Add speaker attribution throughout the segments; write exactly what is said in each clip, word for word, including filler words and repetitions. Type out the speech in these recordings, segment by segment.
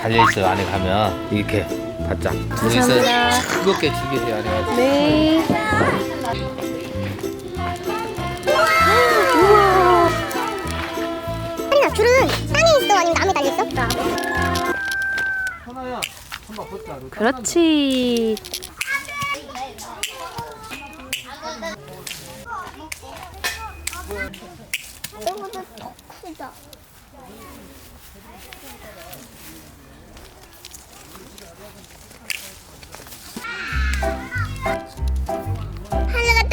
Speaker 1: 달려있어요. 안에 가면 이렇게 바짝
Speaker 2: 감사합니다.
Speaker 1: 뜨겁게 튀기세요. 안에 가서.
Speaker 2: 네.
Speaker 3: 하린아, 귤은 땅에 있어? 아니면 나무에 달려있어?
Speaker 1: 하나야, 한번 벗자.
Speaker 2: 그렇지.
Speaker 3: 이거보다 더 크다. 하늘가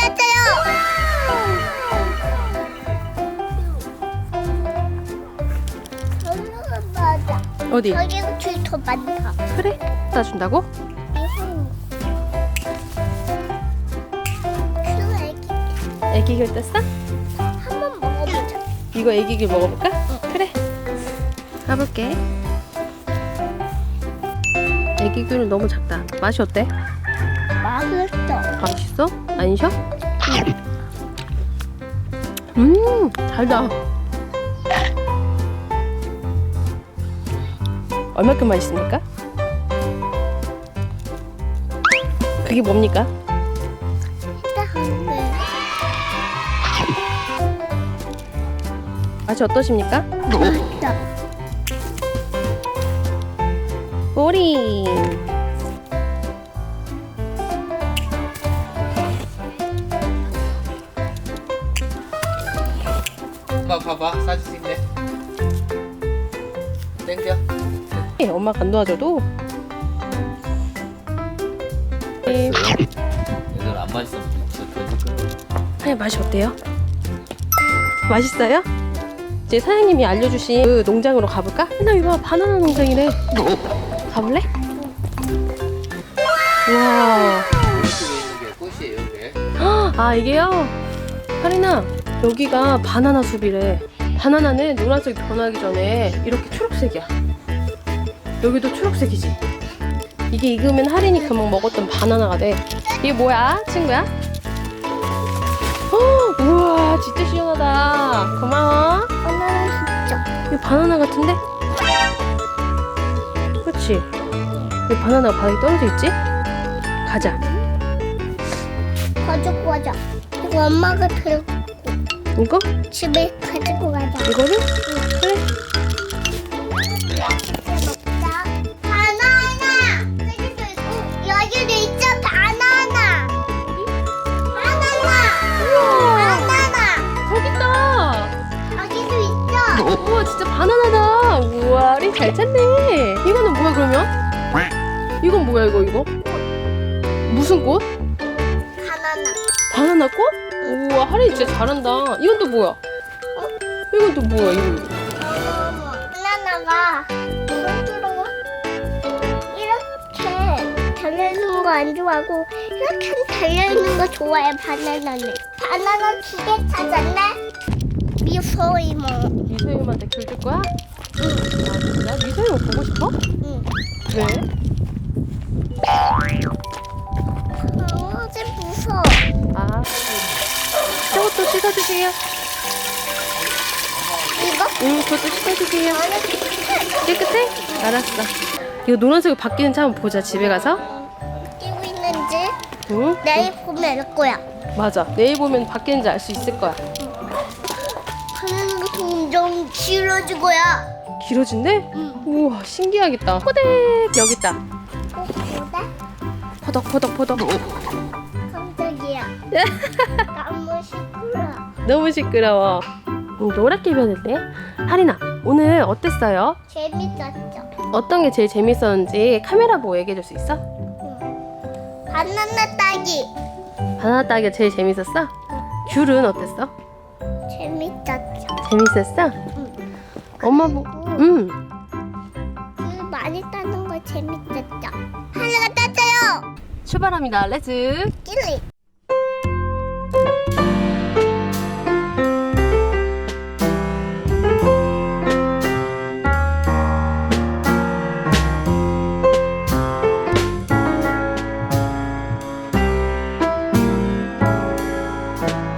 Speaker 3: 떴어요. 하늘가 맞아.
Speaker 2: 어디?
Speaker 3: 여기가 귤 더 많다.
Speaker 2: 그래? 따준다고?
Speaker 3: 이건 귤 애기
Speaker 2: 애기귤 떴어?
Speaker 3: 한번 먹어보자.
Speaker 2: 이거 애기귤 먹어볼까? 그래. 가볼게. 애기귤은 너무 작다. 맛이 어때?
Speaker 3: 맛있어.
Speaker 2: 맛있어? 안 셔? 음, 달다. 얼마큼 맛있습니까? 그게 뭡니까?
Speaker 3: 네.
Speaker 2: 맛이 어떠십니까?
Speaker 3: 맛있어.
Speaker 2: 꼬리.
Speaker 1: 엄마 봐봐. 사진 찍네. 땡겨.
Speaker 2: 네, 엄마가 안 도와줘도. 네.
Speaker 1: 얘들 안 맛있으면 진짜
Speaker 2: 아니, 맛이 어때요? 맛있어요? 이제 사장님이 알려주신 그 농장으로 가볼까? 나 이거 바나나 농장이래. 가볼래? 와.
Speaker 1: 이쪽에 있는 게 꽃이에요, 이게.
Speaker 2: 아, 이게요? 하린아, 여기가 바나나 숲이래. 바나나는 노란색이 변하기 전에 이렇게 초록색이야. 여기도 초록색이지. 이게 익으면 하린이 금방 먹었던 바나나가 돼. 이게 뭐야, 친구야? 어, 우와, 진짜 시원하다. 고마워.
Speaker 3: 바나나 진짜.
Speaker 2: 이거 바나나 같은데? 그렇지? 왜 바나나가 바닥에 떨어져 있지? 가자.
Speaker 3: 가지고 가자. 이거 엄마가 들고
Speaker 2: 이거?
Speaker 3: 집에 가지고 가자.
Speaker 2: 이거를? 그래.
Speaker 3: 먹자. 바나나. 여기도 있고 여기도 있죠. 바나나. 바나나. 바나나.
Speaker 2: 저기 있다.
Speaker 3: 여기도 있죠.
Speaker 2: 우와, 진짜 바나나다. 우와, 우리 잘 찾네. 이거는 뭐야, 그러면? 이건 뭐야, 이거, 이거? 무슨 꽃?
Speaker 3: 바나나.
Speaker 2: 바나나 꽃? 우와, 하린이 진짜 잘한다. 이건 또 뭐야? 이건 또 뭐야, 이거?
Speaker 3: 바나나가 부드러워. 이렇게 달려있는 거 안 좋아하고 이렇게 달려있는 거 좋아해. 바나나는. 바나나 두 개 찾았네. 미소이모.
Speaker 2: 미소임한테 귤 줄 거야? 응. 아, 진짜? 미소임 보고 싶어?
Speaker 3: 응.
Speaker 2: 왜?
Speaker 3: 강아지 무서워.
Speaker 2: 아, 저것도 씻어주세요.
Speaker 3: 이거?
Speaker 2: 응, 그것도 씻어주세요.
Speaker 3: 안에
Speaker 2: 깨끗해? 알았어. 이거 노란색으로 바뀌는지 한번 보자, 집에 가서.
Speaker 3: 끼고 있는지
Speaker 2: 응?
Speaker 3: 내일 보면 알 거야.
Speaker 2: 맞아. 내일 보면 바뀌는지 알 수 있을 거야.
Speaker 3: 바나나가 점점 길어질 거야.
Speaker 2: 길어진대?
Speaker 3: 응.
Speaker 2: 우와, 신기하겠다. 호댁! 여기 있다.
Speaker 3: 어, 뭐다?
Speaker 2: 포덕, 포덕, 포덕.
Speaker 3: 깜짝이야. 너무 시끄러.
Speaker 2: 너무 시끄러워. 음, 노랗게 변했네. 하린아, 오늘 어땠어요?
Speaker 3: 재밌었죠?
Speaker 2: 어떤 게 제일 재밌었는지 카메라 보고 얘기해 줄 수 있어?
Speaker 3: 응. 바나나 따기.
Speaker 2: 바나나 따기가 제일 재밌었어? 귤은 어땠어?
Speaker 3: 재밌었죠?
Speaker 2: 재밌었어?
Speaker 3: 응.
Speaker 2: 엄마 보, 응.
Speaker 3: 그 많이 따는 거 재밌었죠? 하늘가 떴어요.
Speaker 2: 출발합니다. 렛츠.
Speaker 3: 찔리.